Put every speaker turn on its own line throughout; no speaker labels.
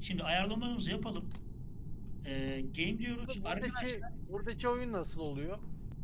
Şimdi ayarlamalarımızı yapalım. Game diyoruz. Arkadaşlar
Buradaki oyun nasıl oluyor?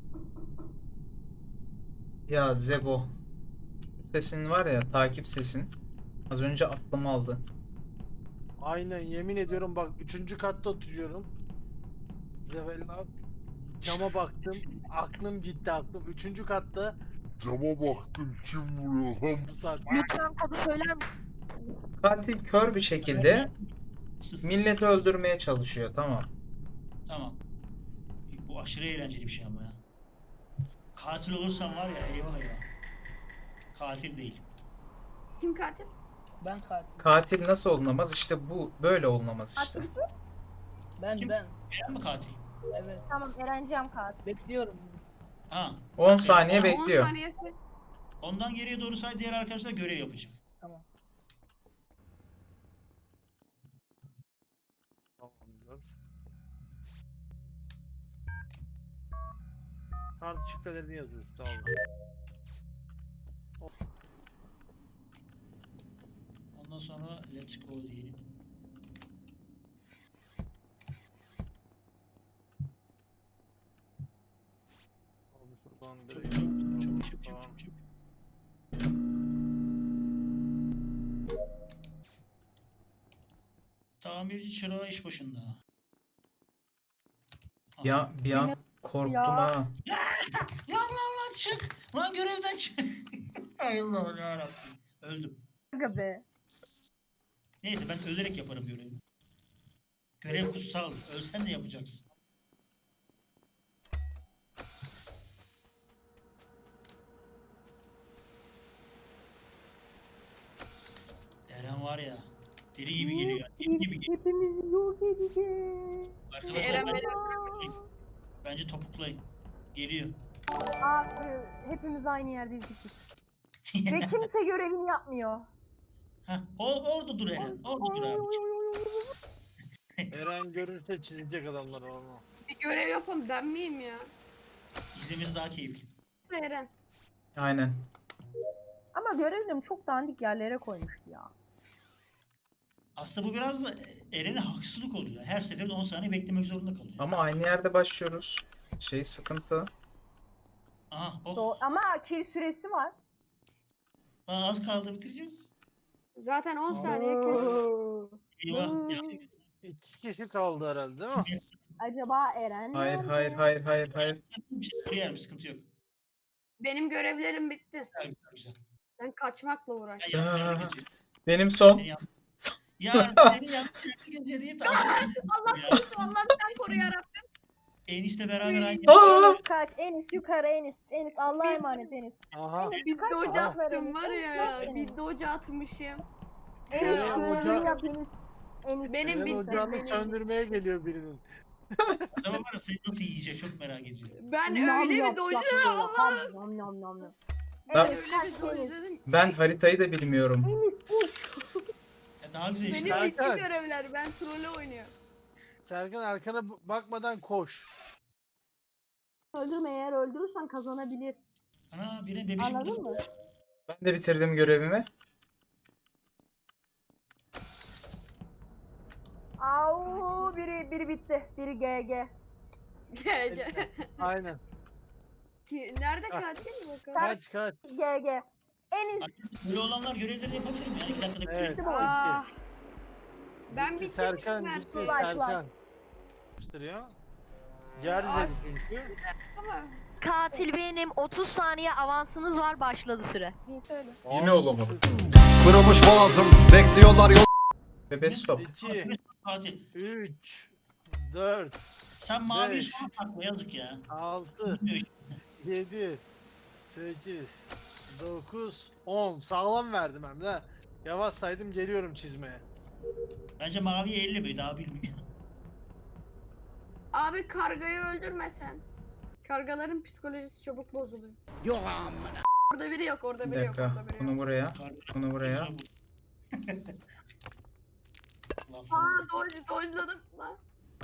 Ya Zebo. Sesin var ya, takip sesin. Az önce aklımı aldı.
Aynen, yemin ediyorum bak 3. katta oturuyorum. Zevella cama baktım. Aklım gitti aklım. 3. katta
Cama baktım, kim vuruyor lan?
bu saat.
Lütfen kodu söyler misiniz?
Katil kör bir şekilde
sıfır.
milleti öldürmeye çalışıyor. Tamam.
Tamam. Bu aşırı eğlenceli bir şey ama ya. Katil olursam var ya, eyvah ya. Katil değil.
Kim katil?
Ben katil.
Katil nasıl olunamaz? İşte bu böyle olunamaz işte.
Ben
Kim?
ben.
Eren mi katil?
Evet.
Tamam Erencem katil.
Bekliyorum.
Ha.
10 saniye
10
bekliyor.
saniyesi.
Ondan geriye doğru say, diğer arkadaşlar görev yapacak.
Tamam.
Tamamdır. Kart şifrelerini yazıyoruz, tamam.
Ondan sonra let's go diyelim.
Şuradan
Çok
direkt-
çok. Tamirci çırağı iş başında. Aha.
Ya bir an korktum
Ya.
ha.
Lan çık. Lan görevden çık. Ay Allah'ım yarabbim. Öldüm.
Aga be.
Neyse ben ölerek yaparım görevi. Görev kutsal. Ölsen de yapacaksın. Eren var ya. Deli gibi geliyor. Deli gibi geliyor.
Hepimizi yok edeceğiz.
Arkadaşlar
Eren
bence topuklayın. Geliyor.
Abi hepimiz aynı yerdeyiz biz. Ve kimse görevini yapmıyor.
Heh, orada dur Eren. Orada dur abi.
Eren görürse çizecek adamlar onu.
Bir görev yapalım, ben miyim ya?
İzlemesi daha keyifli.
Eren.
Aynen.
Ama görevim çok dandik yerlere koymuştu ya.
Aslında bu biraz da Eren'e haksızlık oluyor. Her seferinde 10 saniye beklemek zorunda kalıyor.
Ama aynı yerde başlıyoruz. Şey sıkıntı.
Aha,
Ama kill süresi var.
Az kaldı, bitireceğiz.
Zaten 10 saniye kes.
Eyvah. Ya,
2 kişi kaldı herhalde, değil mi?
Acaba Eren
Hayır
nerede?
hayır.
bir şey koyarım, sıkıntı yok.
Benim görevlerim bitti.
Güzel.
Ben kaçmakla
Ben
uğraştım.
yanlış
Ya.
yere geçiyorum.
Benim son.
Seni yanlış- Ya seni yanlış yere geçireyim ben.
Allah
Ya,
korusun, Allah'ım sen koru yarabbim.
enişte beraber aynı.
Aa!
Kaç Enis yukarı Enis Allah'a emanet Enis.
Aha.
Bir
kaç
doca
cevap
attım
verelim?
var ya.
Cevap
Bir doca atmışım.
Enis
Eren
görevini
Hoca-
yap Enis. Enis.
Benim
Eren
bitti.
ocağını
Benim.
söndürmeye geliyor birinin.
Adama var ya, seni nasıl yiyecek çok merak ediyorum.
Ben
Nam
öyle
yap,
bir doca
yap böyle.
Allah.
Hadi, nam nam nam nam.
Ben-
Enis
Öyle bir
kaç
doca
Enis.
dedim.
Ben haritayı da bilmiyorum.
Ya daha güzel işte.
Benim bitti
Serkan.
görevler. Ben trolle oynuyorum.
Serkan arkana bakmadan koş.
Öldürme, eğer öldürürsen kazanabilir.
Ana biri bebişim.
Anladın mı?
Ben de bitirdim görevimi.
Au biri bitti. Biri GG.
Gel gel.
Aynen.
Nerede katil bakalım?
Kaç.
GG. Enis.
Böyle olanlar görevlerini yapabilir mi? Yani 2 dakikada
Evet.
bitirelim.
Ah. Ben
Bitti,
bitirmişim
Serkan
her
bitti
şeyi.
Serkan. Ya. Yer
Ay.
dedi çünkü.
Ama
Katil benim. 30 saniye avansınız var, başladı süre.
Bir söyle.
Yine olamadı.
Kırılmış boğazım, bekliyorlar yol.
Bebe stop.
2,
Katil.
3, 4,
Sen mavi
Beş.
son takma, yazık ya.
6,
Bilmiyor
7, 8, 9, 10. Sağlam verdim hem de. Yavaş saydım, geliyorum çizmeye.
Bence mavi 50 mi? Daha bilmiyor.
abi kargayı öldürmesen. Kargaların psikolojisi çabuk bozuluyor.
Yok amına.
Orada biri yok, orada
Bir
biri yok,
dakika.
orada biri
Bunu
yok.
buraya. Bunu buraya.
Laf
Aa
oldu.
dojladım lan.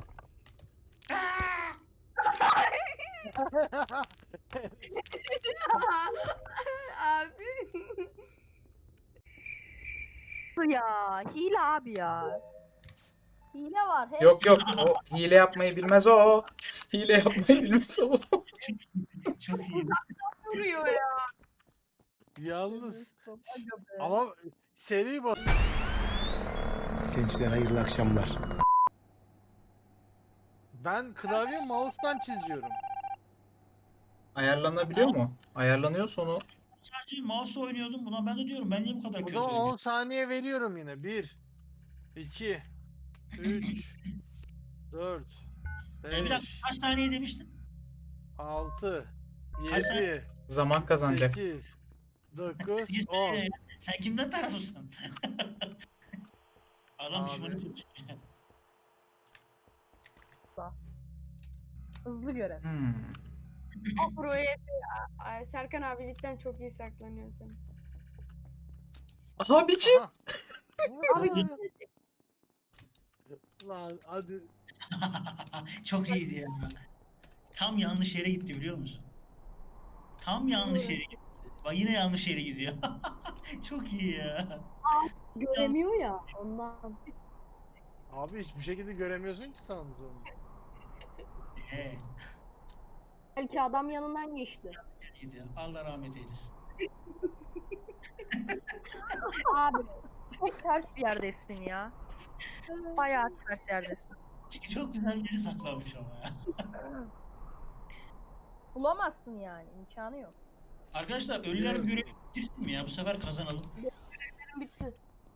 Abi.
Ya hile abi ya.
Hile var. Hey.
Yok yok, o hile yapmayı bilmez o. Hile yapmayı bilmez o.
Çok iyi.
Vuruyor ya.
Yalnız
Aga be.
ama seri bas.
Gençler hayırlı akşamlar.
Ben klavye mouse'tan çiziyorum.
Ayarlanabiliyor mu? Ayarlanıyorsa onu
Sadece mouse oynuyordum buna. Ben de diyorum ben niye bu kadar
O
kötü
zaman 10
oynuyorum?
saniye veriyorum yine. 1 2 3 4
Bir dakika
5
kaç saniye demiştin?
6
Kaç saniye?
7
zaman kazanacak.
8 9
Bir
10.
saniye ya. Sen kimden tarafısın? Adam
Abi.
düşmanı tutmuş.
Hızlı görev.
Buraya Ay, Serkan abi cidden çok iyi saklanıyor sen.
Abicim.
Aha.
Abi
Lan hadi.
Çok iyiydi ya. Tam yanlış yere gitti biliyor musun? Tam yanlış yere gitti. Bak yine yanlış yere gidiyor. Çok iyi ya.
Göremiyor ya ondan.
Abi hiçbir şekilde göremiyorsun ki sandık onu.
He,
Belki adam yanından geçti.
iyiydi ya. Allah rahmet eylesin.
Abi çok ters bir yerdesin ya. Bayağı ters yerdesin.
Çok güzel bir yeri saklanmış ama ya.
Bulamazsın yani. İmkanı yok.
Arkadaşlar ölüler görevi bitirsin mi ya? Bu sefer kazanalım.
bitti.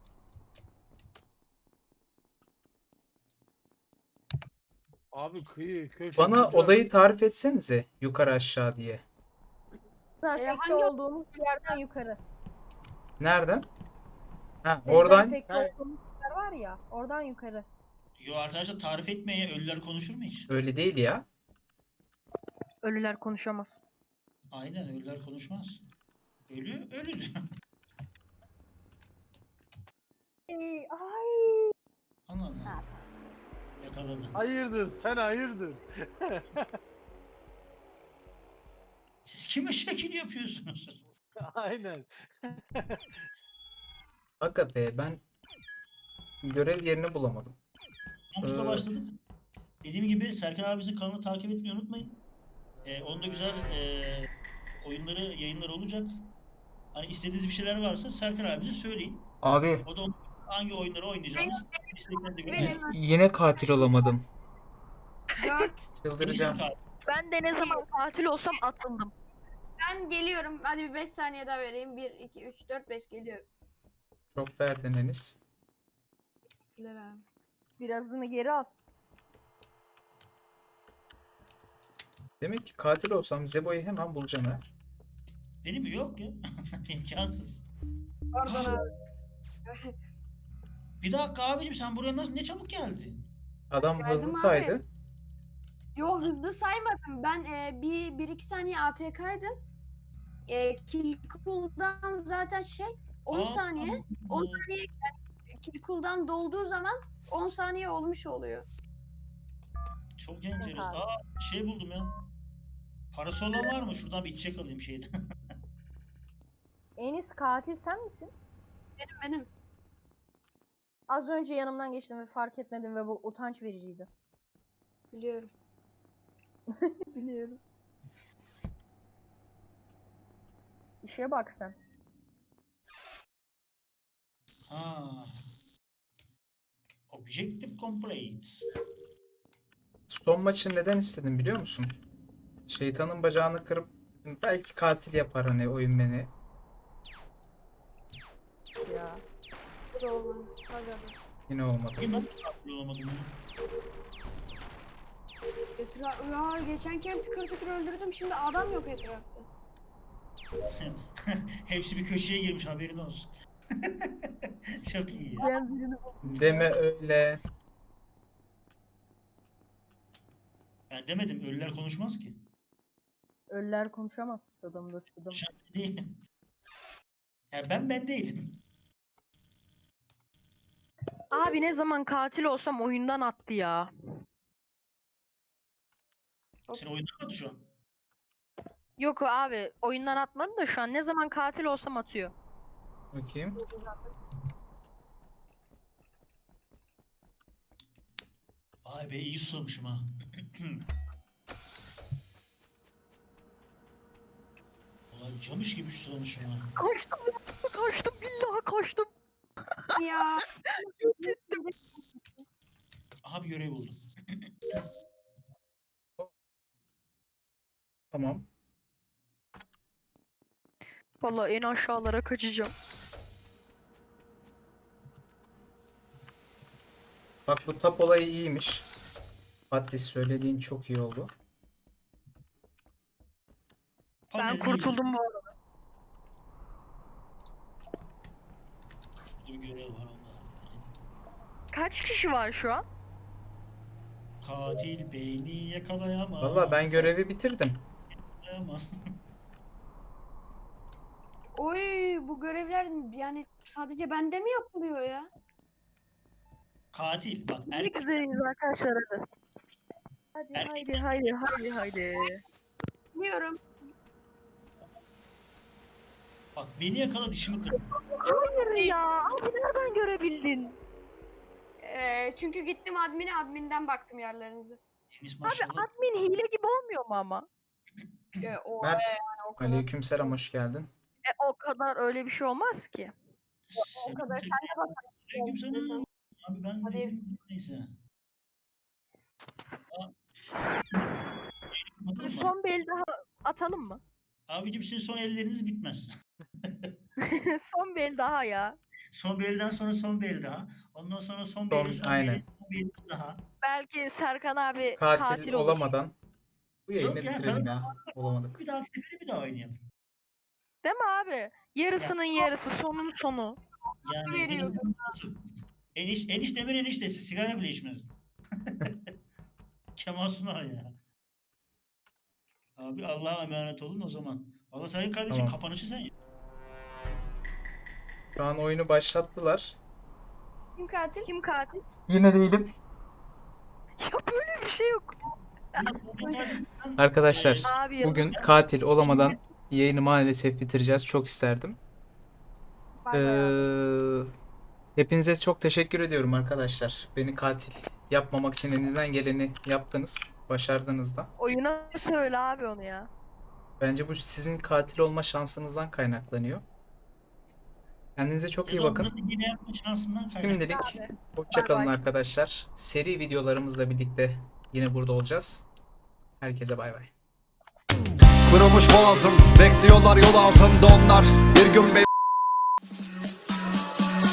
Abi kıyı köşe.
Bana
bucak.
odayı tarif etsenize yukarı aşağı diye.
Dezenfekte
hangi-
olduğumuz bir yerden yukarı.
Nereden? Ha, oradan
Dezenfekte
Hayır.
olduğumuz yer var ya. Oradan yukarı.
Yo arkadaşlar tarif etmeye ölüler konuşur mu hiç?
öyle değil ya.
Ölüler konuşamaz.
Aynen ölüler konuşmaz. Ölü ölüdür.
Ay.
Anladın mı? Yakaladı.
Hayırdır sen hayırdır.
Siz kime şekil yapıyorsunuz?
Aynen.
Aga be, ben görev yerini bulamadım.
Konuşma
Ee,
başladık. Dediğim gibi Serkan abimizin kanalını takip etmeyi unutmayın. Onda güzel oyunları, yayınları olacak. Hani istediğiniz bir şeyler varsa Serkan abimize söyleyin.
Abi
O da hangi oyunları oynayacağımız isteklerinizi
Benim-
gösterir.
yine katil olamadım.
4.
Çıldıracağım.
Ben de ne zaman katil olsam atıldım.
Ben geliyorum. Hadi bir 5 saniye daha vereyim. 1 2 3 4 5 geliyorum.
Çok verdin Enis.
Güler abi.
Birazını geri al.
Demek ki katil olsam Zebo'yu hemen bulacağım ha.
Benim yok ya. İmkansız.
Pardon abi.
Bir dakika abicim sen buraya nasıl ne çabuk geldin?
Adam
Geldim
hızlı
abi.
saydı.
Yo hızlı saymadım. Ben bir iki saniye AFK'ydım. Kill cooldown zaten 10
Aa,
saniye. 10 saniye kill cooldown dolduğu zaman 10 saniye olmuş oluyor.
Çok enteresan.
abi.
Aa şey buldum ya. Parası olan var mı? Şuradan bir içecek alayım şeyden.
Enis katil sen misin?
Benim.
Az önce yanımdan geçtim ve fark etmedim ve bu utanç vericiydi.
Biliyorum.
Biliyorum. İşe bak sen.
Ha. Objective complete.
Son maçı neden istedim biliyor musun? Şeytanın bacağını kırıp belki katil yapar hani oyun beni.
Ya.
Bu da olmadı. Hadi abi.
Yine olmadı.
Bugün ben de katil olamadım ya.
Ya geçen kere tıkır tıkır öldürdüm. Şimdi adam yok etrafta.
Hepsi bir köşeye girmiş haberin olsun. Çok iyi ya.
Ben birini
Deme öyle.
Ben demedim ölüler konuşmaz ki.
Ölüler konuşamaz. Sıdım da sıdım.
Konuşan ben değilim. Ya ben değilim.
Abi ne zaman katil olsam oyundan attı ya.
Sen oyundan mı şu an?
Yok abi oyundan atmadı da şu an ne zaman katil olsam atıyor.
Bakayım.
Vay be iyi susamışım ha. Ulan camış gibi susamışım ha.
Kaçtım ya. Kaçtım billahi kaçtım.
Ya
Aha bir görev buldum.
Tamam.
Vallahi en aşağılara kaçacağım.
Bak bu tap olayı iyiymiş. Fatih söylediğin çok iyi oldu.
Ben
Fantezi
kurtuldum bu arada.
gibi. Bir görev var Allah.
Kaç kişi var şu an?
Katil beni yakalayamaz.
Valla ben görevi bitirdim.
Yakalayamaz.
oy bu görevler yani sadece bende mi yapılıyor ya?
Katil bak
Ne
erkek
güzeliz arkadaşlar hadi. Hadi
Erkek-
haydi.
Biliyorum.
bak beni yakala dişimi kır.
Hayır ya. Abi nereden görebildin?
Çünkü gittim adminden baktım yerlerinize.
Deniz
Abi
maşallah.
admin hile gibi olmuyor mu ama?
O
Mert,
yani o kadar.
aleykümselam, hoş geldin.
O kadar öyle bir şey olmaz ki.
O kadar. Sen de bak.
Aleykümselam. Abi ben
Hadi.
dedim neyse. Bakalım mı?
Son bir el daha atalım mı?
Abicim sizin son elleriniz bitmez.
Son bir el daha ya.
Son bir elden sonra son bir el daha. Ondan sonra son bir
Son-
elin son
aynen.
bir elin son bir elin daha.
Belki Serkan abi
Katil,
katil olur.
olamadan bu yayını
Yok ya,
bitirelim ya. Olamadık.
Bir dahaki sefere bir daha oynayalım.
Değil mi abi? Yarısının yarısı, sonun sonu.
Yani
Veriyordum.
eniştemin eniştesi sigara bile içmez. Kemal Sunal ya. Abi Allah'a emanet olun o zaman. Allah sayın kardeşim
Tamam.
kapanışı sen yap.
Şu an oyunu başlattılar.
Kim katil?
Kim katil?
Yine değilim.
Ya böyle bir şey yok.
Arkadaşlar
Abi
bugün katil olamadan yayını maalesef bitireceğiz. Çok isterdim.
Bay bay abi.
Hepinize çok teşekkür ediyorum arkadaşlar. Beni katil yapmamak için elinizden geleni yaptınız. Başardınız da.
oyuna söyle abi onu ya.
Bence bu sizin katil olma şansınızdan kaynaklanıyor. Kendinize çok iyi bakın.
Yine yapma şansından kaynaklı.
Şimdilik
Abi.
hoşça kalın
Bay bay.
arkadaşlar. Seri videolarımızla birlikte yine burada olacağız. Herkese bay bay.
Kırılmış boğazım, bekliyorlar yol ağzında onlar. Bir gün